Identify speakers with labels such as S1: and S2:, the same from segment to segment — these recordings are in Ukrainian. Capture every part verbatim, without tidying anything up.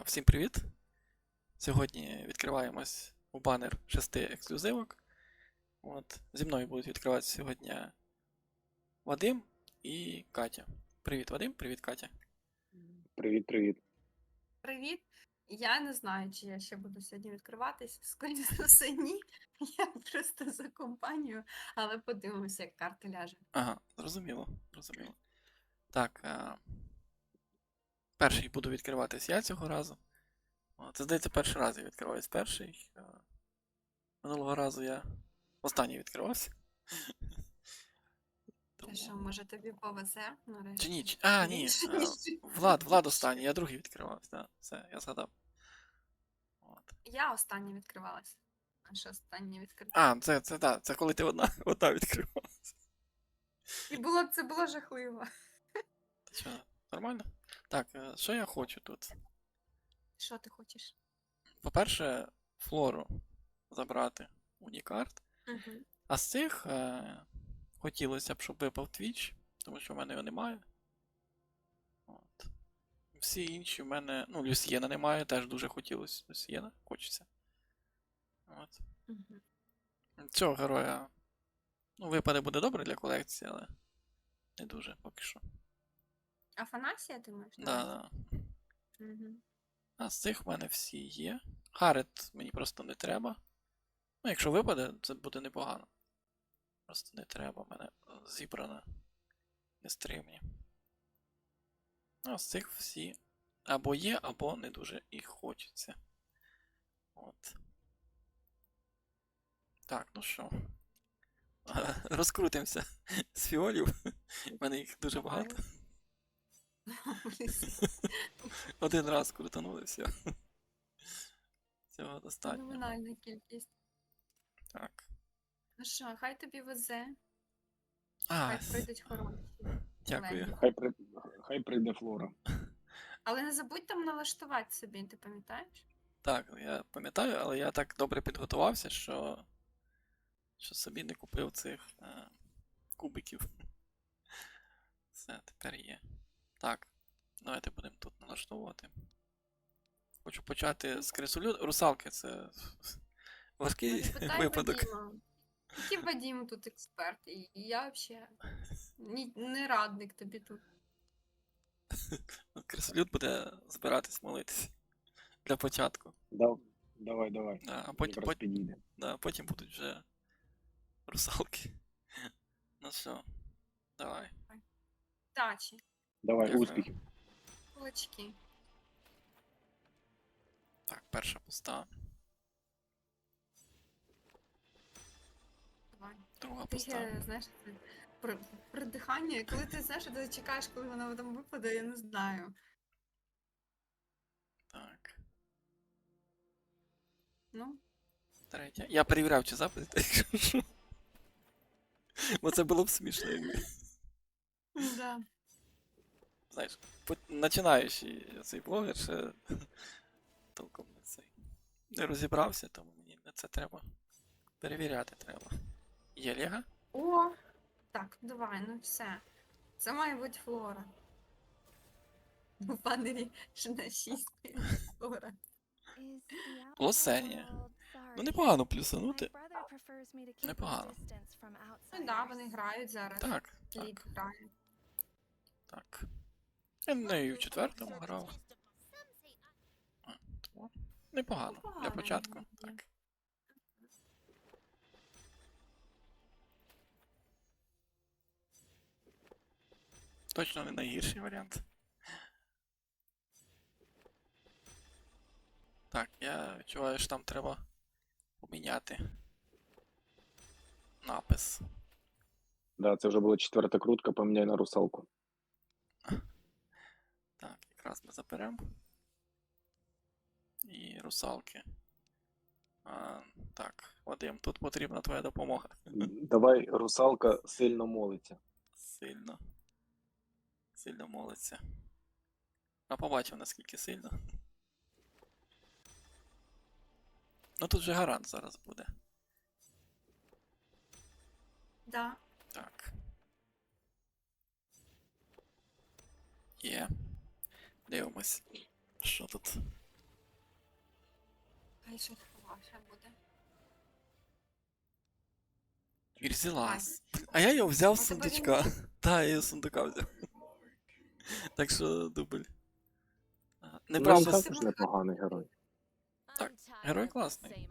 S1: Всім привіт! Сьогодні відкриваємось у банер шести ексклюзивок. От. Зі мною будуть відкриватися сьогодні Вадим і Катя. Привіт, Вадим, привіт, Катя.
S2: Привіт-привіт.
S3: Привіт. Я не знаю, чи я ще буду сьогодні відкриватись. Скоріше за все, ні. Я просто за компанію, але подивимося, як карта ляже.
S1: Ага, зрозуміло, зрозуміло. Так, а... перший буду відкриватись я цього разу. О, це, здається, перший раз я відкриваюсь перший. А... Минулого разу я останній відкривався.
S3: Та що, може тобі повезе? нарешті?
S1: Чи ні? Чи- А, ні.
S3: Більше,
S1: а,
S3: ніж-
S1: Влад, Влад останній, я другий відкривався. Да, все, я згадав. От.
S3: Я остання відкривалась. А що останнє відкрив?
S1: А, це, це, да, це коли ти одна, одна відкривалася.
S3: І було це було жахливо.
S1: Та що, нормально? Так, е, що я хочу тут?
S3: Що ти хочеш?
S1: По-перше, флору забрати унікарт.
S3: Угу.
S1: А з цих е, хотілося б, щоб випав Twitch, тому що в мене його немає. От. Всі інші в мене. Ну, Люсьєна немає, теж дуже хотілося. Люсьєна хочеться. От.
S3: Угу.
S1: Цього героя. Ну, випаде буде добре для колекції, але не дуже поки що.
S3: Афанасія, ти маєш?
S1: Да, да.
S3: Угу.
S1: А з цих в мене всі є. Харет мені просто не треба. Ну, якщо випаде, це буде непогано. Просто не треба, в мене зібрано нестримні. Ну, а з цих всі або є, або не дуже і хочеться. От. Так, ну що. Розкрутимося з фіолів. У мене їх дуже багато. Один раз крутанули, все. Цього достатньо.
S3: Феноменальна кількість.
S1: Так.
S3: Ну що, хай тобі везе,
S1: А,
S3: хай прийдуть хороші.
S1: дякую.
S3: леді.
S2: Хай, при... Хай прийде Флора.
S3: Але не забудь там налаштувати собі, ти пам'ятаєш?
S1: Так, я пам'ятаю, але я так добре підготувався, що, що собі не купив цих е, кубиків. Все, тепер є. Так, давайте будемо тут налаштовувати. Хочу почати з крисолю. Русалки це важкий
S3: Спитай
S1: випадок.
S3: Вадима. Який Вадим тут експерт, і я взагалі ні, не радник тобі тут.
S1: Крисолют буде збиратись молитись для початку.
S2: Дав... Давай, давай.
S1: А, а потім,
S2: Якраз
S1: потім,
S2: підійде.
S1: да, потім будуть вже русалки. Ну що, давай.
S3: Тачі,
S2: Давай,
S1: Дякую.
S2: успіхів.
S3: кулачки.
S1: Так, перша пуста,
S3: Давай.
S1: друга
S3: Ти
S1: пуста.
S3: е, знаєш, це при, придихання, коли ти знаєш, ти чекаєш, коли вона там випаде, я не знаю.
S1: Так,
S3: Ну,
S1: третя. Я перевіряв, чи запис, якщо що. Бо це було б смішно, якби.
S3: да.
S1: Знаєш, по- починаючий цей блогер ще толком не цей. Не розібрався, тому мені на це треба. Перевіряти треба. Є Лего?
S3: О! Так, давай, ну все. Це має бути Флора. У банері ж на шість Флора.
S1: Лосенія. Ну непогано плюсанути. Непогано.
S3: Ну да, вони грають зараз.
S1: Так,
S3: Лід
S1: так,
S3: грає.
S1: так. Я нею в четвертому грав. А, тому непогано. Для
S3: Непогано,
S1: початку.
S3: ні.
S1: Так. Точно не найгірший варіант. Так, я відчуваю, що там треба поміняти напис.
S2: Да, це вже була четверта крутка, поміняй на русалку.
S1: Так, якраз ми заберемо. І русалки. А, так, Вадим, тут потрібна твоя допомога.
S2: Давай, русалка сильно молиться.
S1: Сильно. Сильно молиться. А побачив, наскільки сильно. Ну тут же гарант зараз буде.
S3: Да.
S1: Так. Є. Дивимось. Що тут?
S3: Хай щось хороше буде.
S1: Ірзілас. А я його взяв з
S3: А тебе він-
S1: сундучка. Так, я його з сундука взяв. Так що дубль. Ага.
S2: Ну, він
S1: Неправда.
S3: Неправда.
S2: також непоганий герой.
S1: Так, герой класний.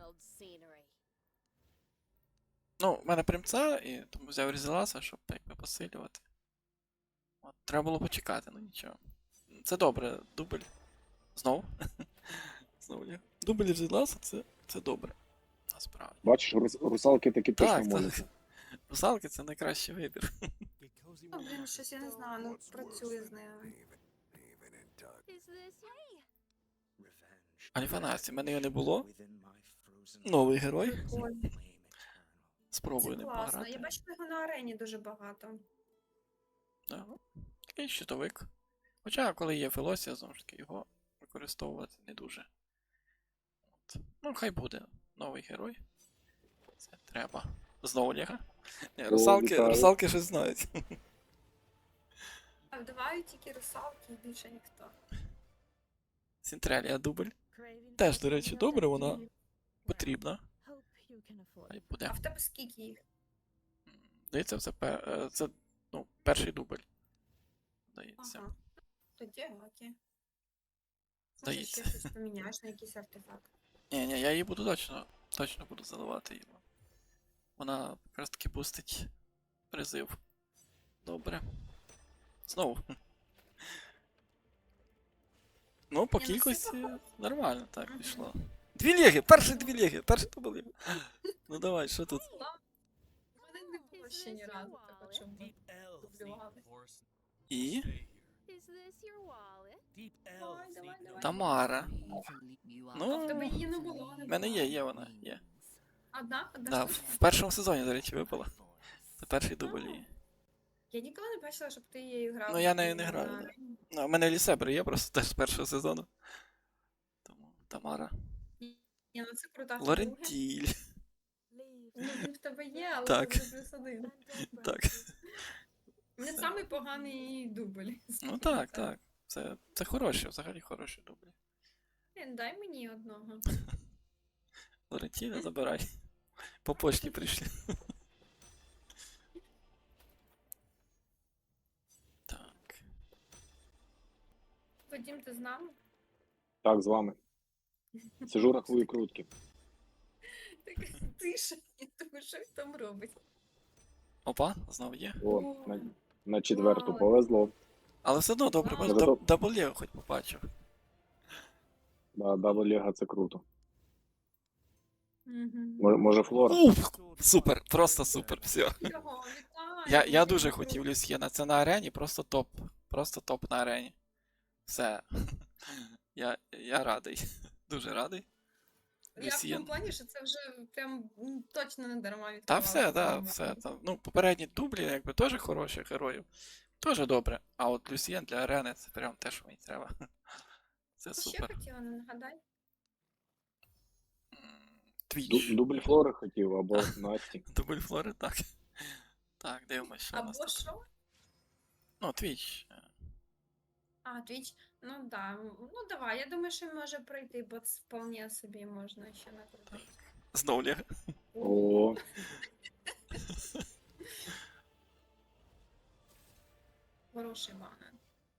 S1: Ну, в мене примца, і тому взяв Різеласа, щоб якби посилювати. От, треба було почекати, ну нічого. Це добре, дубль. Знов. Знову є. Дубль Різеласа це, це добре. Насправді.
S2: Бачиш, рус- русалки таки точно
S1: Так,
S2: можуть.
S1: так. Русалки це найкращий вибір.
S3: Ну, блін, щось я не знаю, ну працює з ними.
S1: Альфанасті, в мене його не було. Новий герой.
S3: Прикольно.
S1: Спробую
S3: Це
S1: ним
S3: класно.
S1: пограти.
S3: Я бачила його на арені дуже багато.
S1: Да. Такий щитовик. Хоча, коли є Фелосія, знову ж таки, його використовувати не дуже. От. Ну, хай буде новий герой. Це треба. Знову Лега. Ні,
S2: О,
S1: русалки,
S2: вітаю.
S1: русалки щось знають.
S3: А вдавають тільки русалки і більше ніхто.
S1: Сінтрелія дубль. Теж, до речі, добре, вона потрібна. Хай буде.
S3: А в тебе скільки їх?
S1: Здається, це, пе- е, це ну, перший дубль. Здається.
S3: Ага. Тоді окей. Може
S1: Здається.
S3: ще щось поміняєш на якийсь артефакт.
S1: Ні, ні, я її буду точно, точно буду заливати її. Вона якраз таки бустить призив. Добре. Знову. Ну, по
S3: Ні, ну,
S1: кількості
S3: супер.
S1: нормально так
S3: Мгм.
S1: пішло. Дві ліги! Перші дві ліги! Перший то були. Ну давай, що тут?
S3: Ну, ладно. У мене не було ще ні разу такого, щоб ми дублювали.
S1: І
S3: Давай, давай, давай.
S1: Тамара.
S3: А в тебе
S1: Ну,
S3: її не було, не
S1: в мене
S3: було.
S1: є, є вона, є.
S3: Одна? Одна
S1: Да, в,
S3: штучка?
S1: в першому сезоні, до речі, випала. Це перший дубль її.
S3: Я ніколи не бачила, щоб ти її грав.
S1: Ну, я нею не
S3: на
S1: граю, да.
S3: арені.
S1: Ну, у мене Лісебри є просто теж з першого сезону. Тому Тамара.
S3: Ні, ну це крута.
S1: Лорентіль.
S3: Ну, він в тебе є, але
S1: Так.
S3: це вже плюс один.
S1: Так.
S3: Не
S1: Все.
S3: самий поганий дубль.
S1: Ну так, так. Це, це хороші, взагалі хороші дублі.
S3: Блін, дай мені одного.
S1: Лорентіля забирай. По почті прийшли. Так.
S3: Вадим, ти з нами?
S2: Так, з вами. Сижу, рахую крутки.
S3: Так тише, тому що він там робить.
S1: Опа, знову є.
S2: О, на, на четверту
S3: Вау.
S2: повезло.
S1: Але все одно добре,
S3: Вау.
S1: бо
S2: Зато-
S1: даб- дабл Лего хоч побачив.
S2: Да, дабл Ліга це круто.
S3: Мгм.
S2: Може, може Флора?
S1: Уф, супер, просто супер, все.
S3: Його, вітаю,
S1: Я, я
S3: дуже
S1: дуже
S3: круто.
S1: хотів Люсьєна, це на арені, просто топ. Просто топ на арені. Все. Я, я радий. Дуже радий.
S3: Я в
S1: Люсьєн.
S3: тому плані, що це вже прям м, точно не дарма відкривала.
S1: Та все, да,
S3: Прям
S1: все.
S3: реально.
S1: Там, ну, попередні дублі, якби теж хороші героїв. Теж добре. А от Люсьєн для арени це прям те, що мені треба. Це
S3: Ще
S1: супер.
S3: хотіла, не нагадай.
S1: М,
S2: Ду-
S1: Твіч.
S2: Дубль Флори хотів, або Насті.
S1: Дубль Флори, так. Так, дивимося, що у нас
S3: Або
S1: тут.
S3: що?
S1: Ну, Твіч.
S3: А, Twitch. Ну да. Ну давай, я думаю, що може пройти, бо це вполне собі можна ще накрутити.
S1: Знову Лего.
S2: О,
S3: Хороший банан.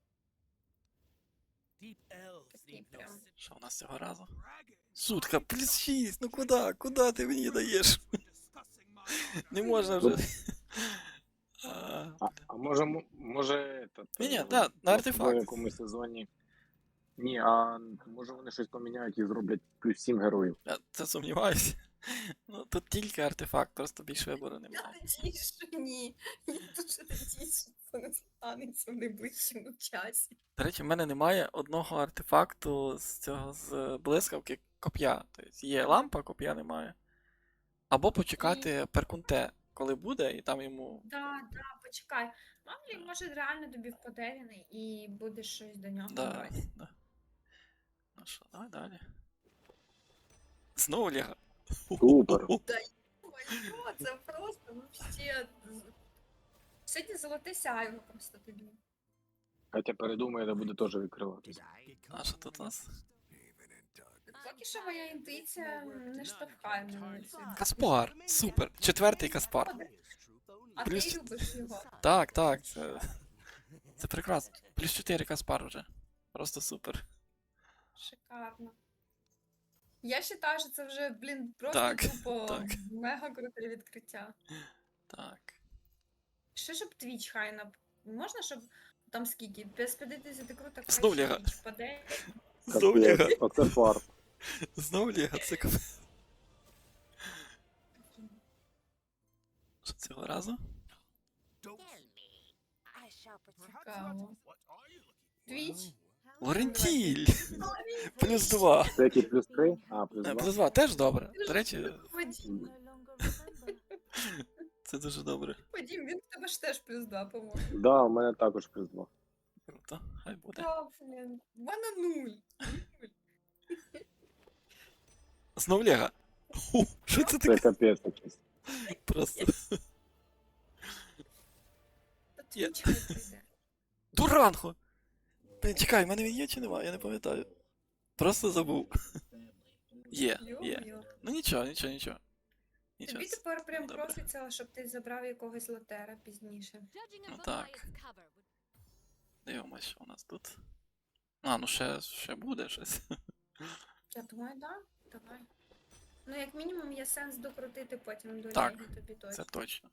S3: Такий прям.
S1: Що у нас цього разу? Сутка, плюс шість, ну куди? Куди ти мені даєш? Не можна вже. А,
S2: а, а може, м- може, этот,
S1: Ні-ні,
S2: е,
S1: да, на артефакт.
S2: В якомусь сезоні. Ні, а може вони щось поміняють і зроблять плюс сім героїв.
S1: Я це сумніваюся. Ну, тут тільки артефакт, просто більше вибору
S3: Я
S1: немає.
S3: надіюсь, що ні. Я дуже надіюсь, що це не станеться в найближчому часі.
S1: До речі, в мене немає одного артефакту з цього з блискавки коп'я. Тобто є лампа, коп'я немає. Або почекати перкунте, коли буде, і там йому.
S3: Да, да, почекай. Мамлі, може, реально тобі впаде він і буде щось до нього
S1: Да,
S3: брати.
S1: да. Ну що, давай далі. Знову Лего.
S2: Супер.
S3: Ой, що це просто вообще. Сьогодні золоте сяйво просто тобі.
S2: Хоча передумає, де буде теж відкриватися.
S1: А що тут у нас?
S3: Поки що моя інтуїція не штовхає мене на цю.
S1: Каспар, супер. Четвертий Каспар.
S3: А
S1: Плюс-
S3: ти любиш його.
S1: Так, так, це, це прекрасно. Плюс чотири Каспар вже. Просто супер.
S3: Шикарно. Я вважаю, що це вже, блін, просто
S1: Так,
S3: тупо
S1: так.
S3: мега круте відкриття.
S1: Так.
S3: Що щоб твіч хай на. Можна, щоб там скільки? Без п'ятдесят круток хай
S1: Знов
S3: ще
S1: Лего.
S3: Twitch впаде.
S1: Знов Лего.
S2: Капець, оце фарт.
S1: Знов Лего, це капець. Що цього разу?
S3: Цікаво. Твіч.
S1: Лорентіль! Плюс два.
S2: Це який плюс три? А, плюс
S1: Е,
S2: два.
S1: Плюс два теж добре. До речі,
S3: Вадім,
S1: це дуже добре.
S3: Вадім, він в тебе ж теж плюс два, по-моєму.
S2: Да, у мене також плюс два.
S1: Круто, хай буде.
S3: Та, блін, в мене нуль.
S1: Знов Лего. Ху, що це
S2: Це
S1: таке?
S2: капець якийсь.
S1: Просто.
S3: Та
S1: Є.
S3: твіч хай прийде.
S1: Дуранго! Блін, чекай, в мене він є чи нема? Я не пам'ятаю. Просто забув. Є, є.
S3: Йо-моє.
S1: Ну нічого, нічого, нічого. Нічого.
S3: Тобі тепер прям
S1: Добре.
S3: проситься, щоб ти забрав якогось лотера пізніше.
S1: Ну так. Дивимось, що у нас тут. А, ну ще, ще буде щось.
S3: Я думаю, да, давай. Ну, як мінімум, є сенс докрутити потім до
S1: Так,
S3: Легі тобі точно.
S1: Це точно.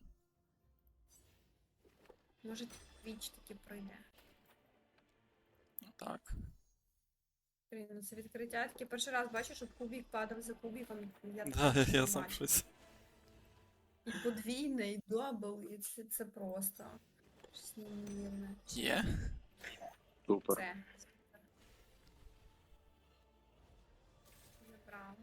S3: Може, твіч таки пройде.
S1: Ну так.
S3: Блін, ну це відкриття. Я таки перший раз бачу, щоб кубік падав за кубіком. Я
S1: Да,
S3: таке
S1: я
S3: не
S1: сам
S3: бачу.
S1: щось.
S3: І подвійне, і дабл, і це, це просто щось неймовірне.
S1: Є.
S2: Супер.
S3: Це. Забрав.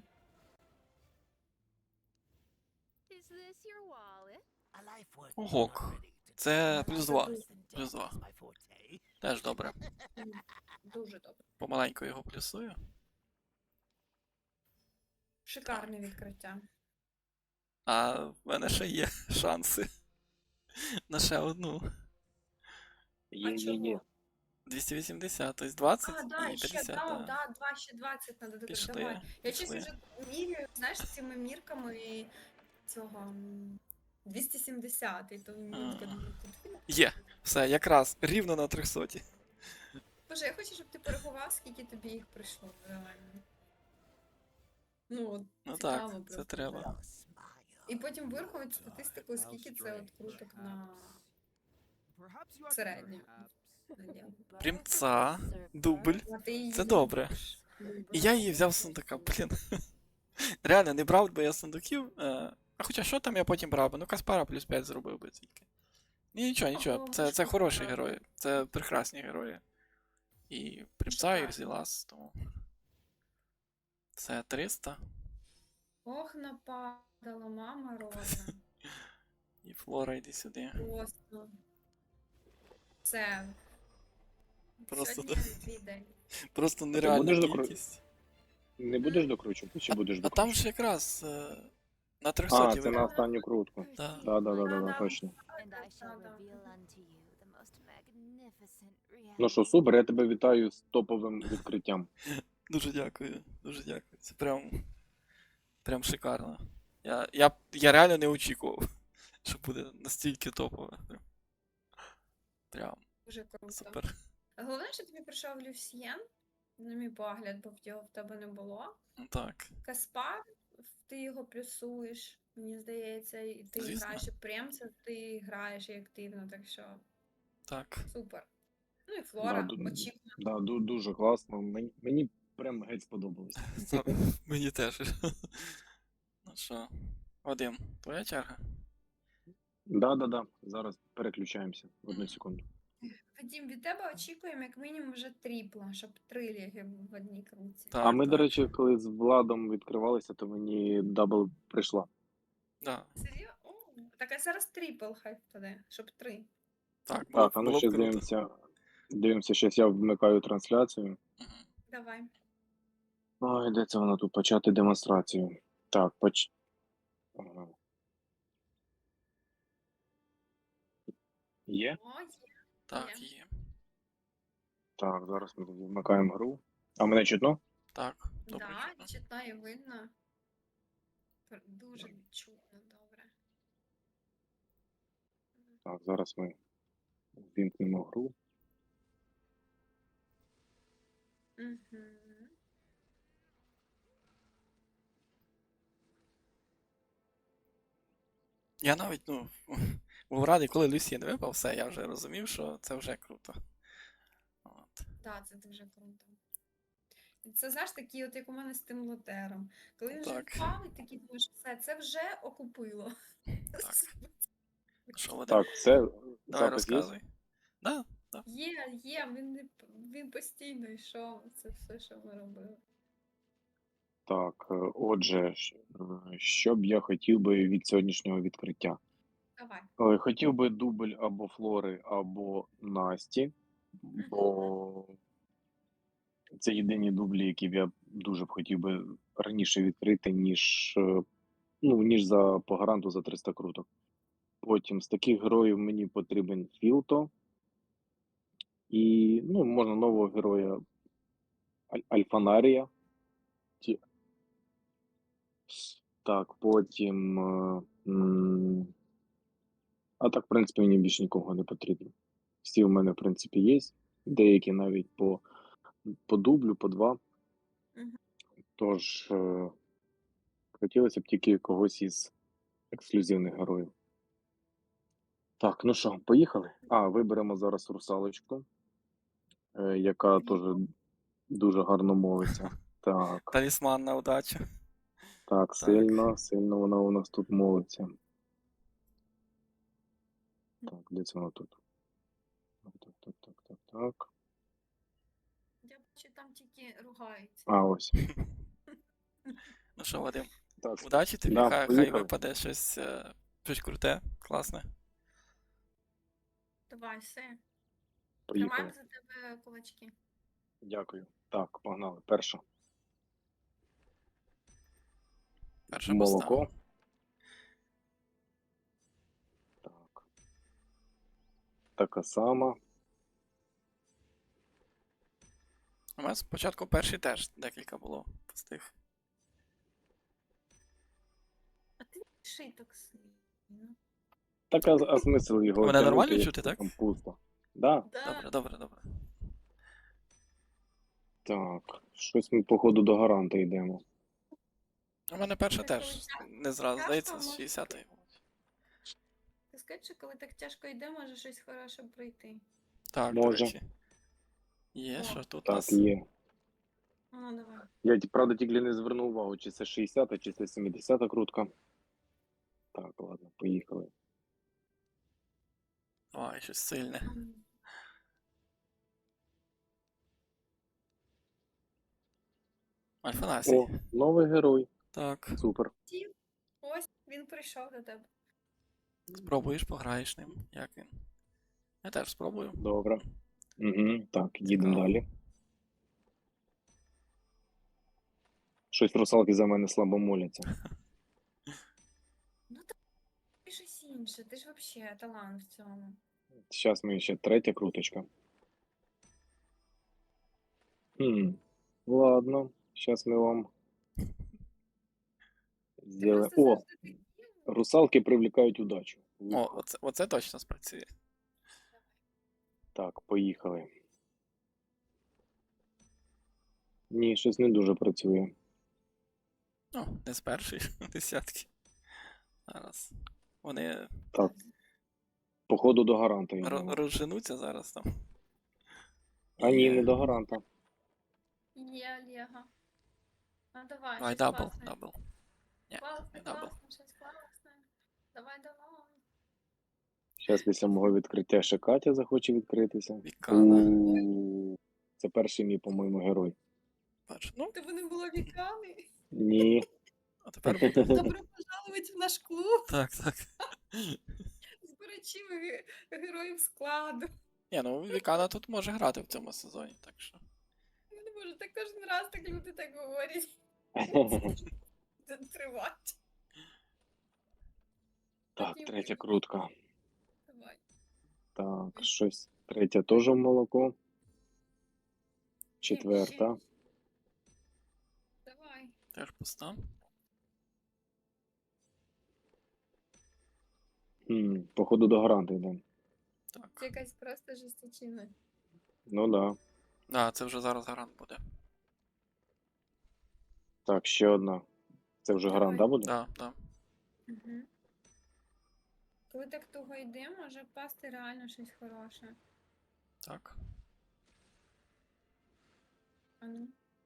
S1: Ого. Це плюс два.
S3: Дуже,
S1: Плюс два. Теж добре.
S3: дуже добре.
S1: Помаленьку його плюсую.
S3: Шикарне відкриття.
S1: А в мене ще є шанси. На ще одну.
S2: Є,
S3: А
S2: є, є.
S3: чого?
S1: двісті вісімдесят, тобто двадцять
S3: А, да,
S1: і
S3: ще,
S1: п'ятдесят.
S3: да,
S1: да.
S3: да, два, ще двадцять треба додати.
S1: Пішли,
S3: Давай. Я чесно
S1: пішли.
S3: вже міряю, знаєш, цими мірками і цього м, двісті сімдесят, і то мітка
S1: А.
S3: дуже тут.
S1: Є. Все, якраз рівно на трьохсоті.
S3: Боже, я хочу, щоб ти порахував, скільки тобі їх прийшло, реально. Ну, от,
S1: Ну
S3: цікаво
S1: так, це
S3: просто.
S1: треба.
S3: І потім вирахувати статистику, скільки це от круток на середньому. наділу.
S1: Примца, дубль.
S3: А ти її
S1: Це добре.
S3: любиш.
S1: І я її взяв з сундука, блін. Реально, не брав би я сундуків. е, А хоча що там я потім брав би? Ну Каспара плюс п'ять зробив би тільки. Ні, нічого, нічого. Це, це хороші герої. Це прекрасні герої. І Примца, і Рзілас, тому. Це триста.
S3: Ох, нападала, мама родна.
S1: І Флора, йди сюди.
S3: Просто. Це.
S1: Просто
S3: Сьогодні твій день.
S1: Просто
S2: будеш
S1: нереальна
S2: докру-
S1: кількість.
S2: Не будеш докручувати чи будеш
S1: А там
S2: докручувати?
S1: ж якраз е, на
S2: А,
S1: трьохсоті
S2: це на
S1: вибив.
S2: останню крутку.
S1: Да.
S2: Да, да, да, да, да,
S3: Да-да.
S2: точно.
S4: And I shall
S3: Да-да.
S4: reveal unto you the most magnificent reality.
S2: Ну що, супер, я тебе вітаю з топовим відкриттям.
S1: Дуже дякую, дуже дякую. Це прям. Прям шикарно. Я, я, я реально не очікував, що буде настільки топове. Прям, прям
S3: Дуже круто.
S1: супер.
S3: Головне, що тобі прийшов Люсьєн, на мій погляд, бо його в тебе не було.
S1: Ну так.
S3: Каспар, ти його плюсуєш, мені здається, і ти
S1: Звісно.
S3: граєш і Премця, ти граєш і активно, так що
S1: Так.
S3: супер. Ну і Флора,
S2: Да, ду-
S3: очікувано.
S2: Да, ду- дуже класно. Мені, мені прям геть сподобалось.
S1: Сам- Мені теж. Ну що, Вадим, твоя черга?
S2: Да, да, да. Зараз переключаємося. Одну секунду.
S3: Вадім, від тебе очікуємо як мінімум вже тріпла, щоб три ліги в одній крутці.
S1: Так,
S2: А ми,
S1: так.
S2: до речі, коли з Владом відкривалися, то мені дабл прийшла.
S1: Да.
S3: Серйозно? О, так а зараз трипл хай впаде, щоб три.
S1: Так, було,
S2: Так, а ну
S1: було б
S2: ще
S1: круто.
S2: дивимося. Дивимося, щас я вмикаю трансляцію.
S1: Мгм.
S3: Давай.
S2: Ой, де це воно тут? Почати демонстрацію. Так, поч... Ага. Є?
S3: О, є.
S1: Так,
S3: Є.
S1: є.
S2: Так, зараз ми тоді вмикаємо гру. А мене чутно?
S1: Так. Добре,
S3: Да,
S1: чутно.
S3: чутно і видно. Пр- Дуже чутно, добре.
S2: Так, зараз ми ввімкнемо гру.
S3: Угу.
S1: Я навіть, ну, був радий, коли Люсін випав, все, я вже розумів, що це вже круто. От.
S3: Так, це дуже круто. І це, знаєш, такий, от як у мене з тим лотером. Коли він вже
S1: Так.
S3: впав, і такий думаєш, все, це вже окупило.
S1: Так. Що, Вадим?
S2: Так, все,
S1: Давай
S2: запис є?
S1: розказуй. Да, да.
S3: Є, є, він, не п- він постійно йшов. Це все, що ми робили.
S2: Так, е, отже, щ- е, що б я хотів би від сьогоднішнього відкриття?
S3: Давай.
S2: Е, Хотів би дубль або Флори, або Насті, бо це єдині дублі, які б я дуже б хотів би раніше відкрити, ніж, е, ну, ніж за по гаранту за триста круток. Потім з таких героїв мені потрібен Філто. І, ну, можна нового героя Аль- Альфанарія. Ті- Так, потім. е, м, А так, в принципі, мені більше нікого не потрібно. Всі в мене, в принципі, є. Деякі навіть по, по дублю, по два.
S3: Мгм.
S2: Тож, е, хотілося б тільки когось із ексклюзивних героїв. Так, ну що, поїхали? А, виберемо зараз русалочку, е, яка теж дуже гарно мовиться. Так,
S1: Талісман на удачу.
S2: так, сильно, сильно вона у нас тут мовиться. Так, де це вона тут? Так, так, так, так, так, так.
S3: Я бачу, там тільки ругаються.
S2: А, ось.
S1: Ну що, Вадим,
S2: Так,
S1: удачі тобі,
S2: да,
S1: хай, хай
S2: поїхали.
S1: випаде щось, е, щось круте, класне.
S3: Давай, все.
S2: Поїхали.
S3: Тримаємо за тебе кулачки.
S2: Дякую. Так, погнали. Перша.
S1: Перша
S2: Молоко.
S1: поста.
S2: Так. Така сама.
S1: У мене спочатку перший теж декілька було пустих.
S3: А ти не пиши так сильно.
S2: Так, а, а смисл його
S1: Мене
S2: тягнути,
S1: нормально
S2: якщо
S1: чути, так?
S2: там пусто. Да?
S3: Да.
S1: Добре, добре, добре.
S2: Так. Щось ми, походу, до гаранта йдемо.
S1: У мене перша
S3: Так,
S1: теж
S3: коли
S1: не зразу,
S3: тяжко,
S1: здається, з
S3: може
S1: шістдесятої.
S3: Ти скажи, що коли так тяжко йде, може щось хороше пройти.
S1: Так, до
S2: Може.
S1: речі. Є,
S3: О,
S1: що тут у
S2: Так,
S1: нас?
S2: є.
S3: Ну, давай.
S2: Я, ті- правда, тільки не звернув увагу, чи це шістдесята, чи це сімдесята крутка. Так, ладно, поїхали.
S1: Ой, щось сильне.
S3: М.
S1: Альфанасій.
S2: О, новий герой.
S1: Так.
S2: Супер.
S3: Ті, ось він прийшов до тебе.
S1: Спробуєш, пограєш ним. Як він? Я теж спробую.
S2: Добре. Угу. Так, їдемо
S1: Цікаво.
S2: далі. Щось русалки за мене слабо моляться.
S3: Ну так ти щось інше, ти ж взагалі талант в цьому.
S2: Зараз ми ще третя круточка. Хм. Ладно, зараз ми вам
S3: Ти
S2: сделаем.
S3: просто
S2: О,
S3: завжди такий.
S2: русалки привлекають удачу.
S1: О, оце, оце точно спрацює.
S2: Так, поїхали. Ні, щось не дуже працює.
S1: Ну, не з першої десятки. Зараз. Вони
S2: Так, походу до гаранта
S1: ро-
S2: йдемо.
S1: розженуться зараз там.
S2: А ні,
S1: Є.
S2: не до гаранта.
S3: Є, Олега. Ну давай,
S1: Давай
S3: щось
S1: дабл,
S3: класне.
S1: дабл. Ні,
S3: Класне,
S1: не дабл.
S3: класне, щось класне. Давай, давай.
S2: Зараз після мого відкриття ще Катя захоче відкритися.
S1: Вікана.
S2: У, Це перший мій, по-моєму, герой.
S1: Бач. Ну,
S3: Тебе не було віками.
S2: Ні.
S1: а тепер буде.
S3: Добро пожаловать в наш клуб.
S1: Так, так.
S3: Збирачів ге- героїв складу.
S1: Ні, ну Вікана тут може грати в цьому сезоні, так що.
S3: Я не можу, так кожен раз так люди так говорять. Це тривати.
S2: Так, третя крутка.
S3: Давай.
S2: Так, щось. Третя теж в молоко. Четверта.
S1: Теж пуста.
S2: Хм, походу до гаранти йдемо.
S3: Це
S1: Так.
S3: якась просто жесточина.
S2: Ну да.
S1: А, це вже зараз гарант буде.
S2: Так, ще одна. Це вже гарант, да,
S3: Давай.
S2: буде?
S1: Да, да.
S3: Угу. Коли так туго йде, може впасти реально щось хороше.
S1: Так.
S3: А ну.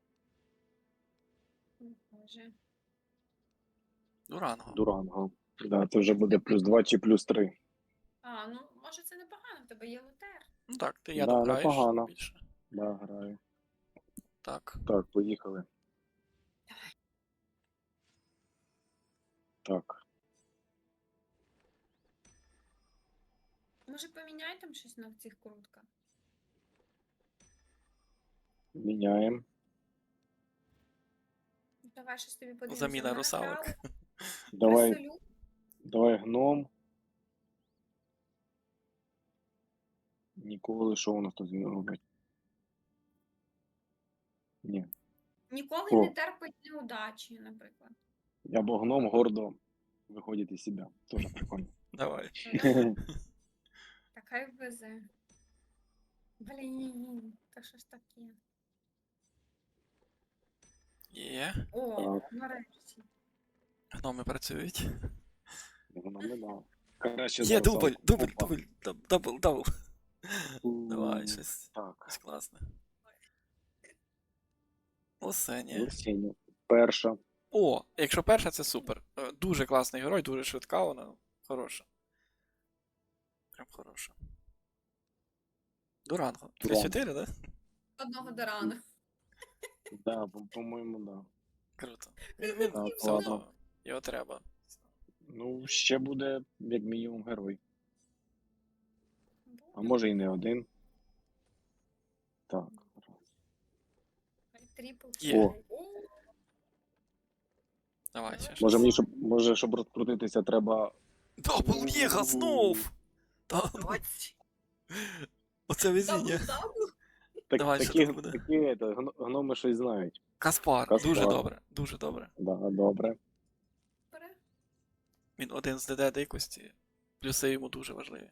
S3: О, Боже.
S1: Дуранго.
S2: Дуранго. Да, це вже буде плюс два чи плюс три.
S3: А, ну може це непогано, в тебе є лутер.
S1: Ну так, ти я
S2: Да,
S1: граєш
S2: непогано.
S1: більше.
S2: Да, граю.
S1: Так.
S2: Так, поїхали. Так.
S3: Може поміняй там щось на цих крутках?
S2: Міняємо.
S3: Давай щось тобі подивимося.
S1: Заміна
S3: В мене
S1: русалок.
S3: вкрали
S2: Давай,
S3: крисолют.
S2: давай гном. Ніколи, що у нас тут він робить? Ні.
S3: Ніколи
S2: О.
S3: не терпить неудачі, наприклад.
S2: Або гном гордо виходить із себе. Тоже прикольно.
S1: Давай.
S3: Та хай везе. Блін, та що ж таке?
S1: Є.
S3: О,
S2: Так.
S3: нарешті.
S1: Гноми працюють.
S2: Гном не дав. Краще
S1: Є
S2: за
S1: дубль,
S2: русалку.
S1: дубль,
S2: Опа.
S1: дубль, даб- дабл, дабл.
S2: М,
S1: Давай, щось,
S2: Так.
S1: щось класне. Осені.
S2: Лисіння. Перша.
S1: О, якщо перша, це супер. Е, Дуже класний герой, дуже швидка вона. Хороша. Прям хороша. Дуранго. три чотири, да?
S3: Одного до рана.
S2: Да, по- по-моєму, да.
S1: Круто. Він, він
S2: Так,
S1: все
S2: ладно.
S1: одно. Його треба.
S2: Ну, ще буде, як мінімум, герой. А може і не один. Так.
S3: Трипл.
S1: Є.
S2: О.
S3: О,
S1: Давай ще
S2: Може
S1: щось.
S2: мені, щоб, може, щоб розкрутитися, треба.
S1: Дабл Мега знов! Та, ну,
S3: ось.
S1: оце везіння.
S3: Дабл-дабл.
S2: Так,
S1: Давай, що
S2: такі,
S1: тут буде?
S2: такі это, гно- гноми щось знають.
S1: Каспар.
S2: Каспар.
S1: Дуже добре. Дуже добре.
S2: Да, добре.
S3: Бере.
S1: Він один з ДД дикості. Плюси йому дуже важливі.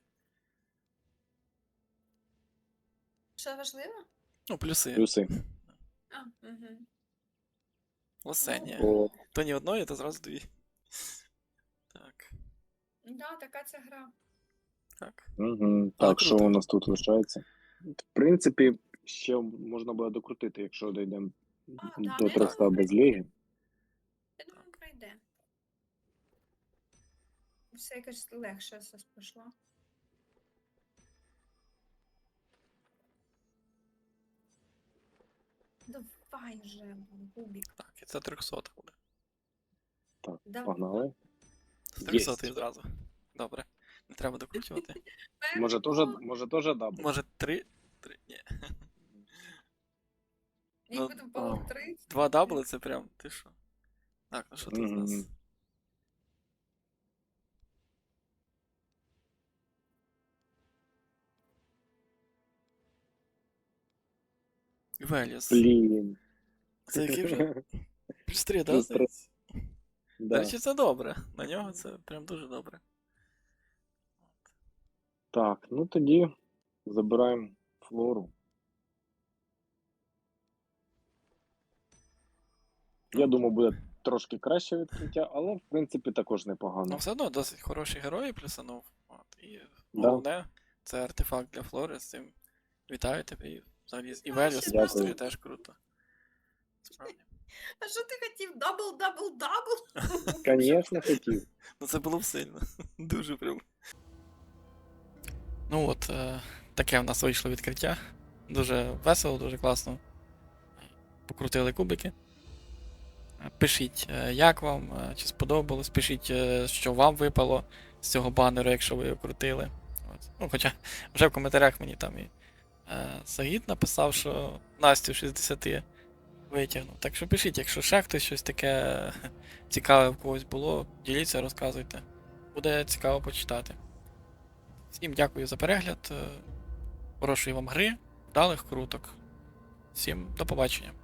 S3: Що важливо?
S1: Ну, плюси.
S2: Плюси.
S3: А, угу.
S1: Лосення.
S2: О,
S1: То ні одної, то зразу дві. Так.
S3: Да, така ця гра.
S1: Так.
S2: угу.
S1: Але
S2: Так, що
S1: круто.
S2: у нас тут лишається? В принципі, ще можна буде докрутити, якщо дійдемо
S3: А, да,
S2: до
S3: ну,
S2: триста
S3: я
S2: без
S3: думаю,
S2: ліги.
S3: Я думаю, пройде. Все якось легше все пішло. Давай вже, Бубік.
S1: Так, і це триста буде.
S2: Так,
S3: Давай.
S2: погнали.
S1: З триста
S2: Єсть.
S1: одразу. Добре. Не треба докручувати.
S2: Може теж, може теж дабл?
S1: Може три? Три. Ні. ну,
S3: Їх потім по три.
S1: Два дабли це прям. Ти що? Так, ну що тут у нас?
S2: Мгм.
S1: Веліс.
S2: Блін.
S1: Це який вже? Плюс три, да?
S2: Плюс три.
S1: здається? До
S2: Да.
S1: речі, це добре. На нього це прям дуже добре.
S2: Так, ну тоді забираємо флору. Я думаю, буде трошки краще відкриття, але в принципі також
S1: Ну,
S2: непогано.
S1: все одно досить хороші герої плюсанув. От, і
S2: Да.
S1: головне, це артефакт для Флори, з цим вітаю тебе. І взагалі і
S3: Ну,
S1: Веліс
S3: ще
S1: плюс
S2: дякую.
S1: три теж круто. Справді.
S3: А що ти хотів? Дабл, дабл, дабл?
S2: Звісно, хотів.
S1: Ну це було б сильно. Дуже прям. Ну от, е, таке в нас вийшло відкриття. Дуже весело, дуже класно. Покрутили кубики. Е, Пишіть, е, як вам, е, чи сподобалось, пишіть, е, що вам випало з цього банеру, якщо ви його крутили. От. Ну, хоча вже в коментарях мені там і е, Сагід написав, що Настю шістдесят витягнув. Так що пишіть, якщо ще хтось щось таке цікаве в когось було, діліться, розказуйте. Буде цікаво почитати. Всім дякую за перегляд. е, Хорошої вам гри, вдалих круток. Всім до побачення.